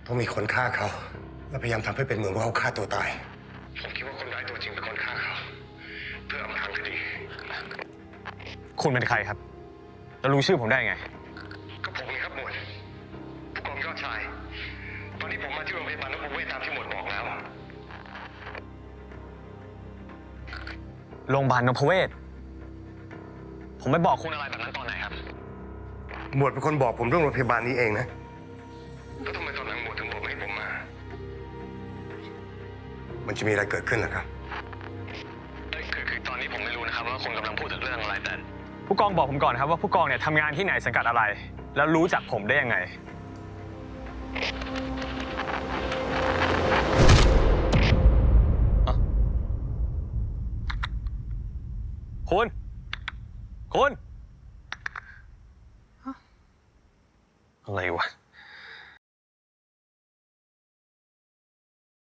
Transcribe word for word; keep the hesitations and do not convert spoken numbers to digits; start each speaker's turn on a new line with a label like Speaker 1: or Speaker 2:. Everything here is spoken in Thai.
Speaker 1: ต้องมีคนฆ่าเขาและพยายามทำให้เป็นเหมือนว่าเขาฆ่าตัวตายผมคิดว่าคนร้ายตัวจริงเป็นคนฆ่าเขาเพื่ออำพรางคดี
Speaker 2: คุณเป็นใครครับแล้วรู้ชื่อผมได้ไง
Speaker 1: ก็ผมไงครับหมวดผู้กองยอดชายตอนนี้ผมมาที่โรงพยาบาลนพเวศตามที่หมวดบอกแล้ว
Speaker 2: โรงพยาบาลนพเวศผมไม่บอกคุณอะไรแบบนั้นตอนไหนครับ
Speaker 1: หมวดเป็นคนบอกผมเรื่องโรงพยาบาลนี้เองนะแล้วทำไมตอนหลังหมวดถึงบอกไม่ให้ผมมามันจะมีอะไรเกิดขึ้นล่ะครับ
Speaker 2: คือคือตอนนี้ผมไม่รู้นะครับว่าคุณกำลังพูดถึงเรื่องอะไรแต่ผู้กองบอกผมก่อนครับว่าผู้กองเนี่ยทำงานที่ไหนสังกัดอะไรแล้วรู้จักผมได้ยังไงคุณคุณ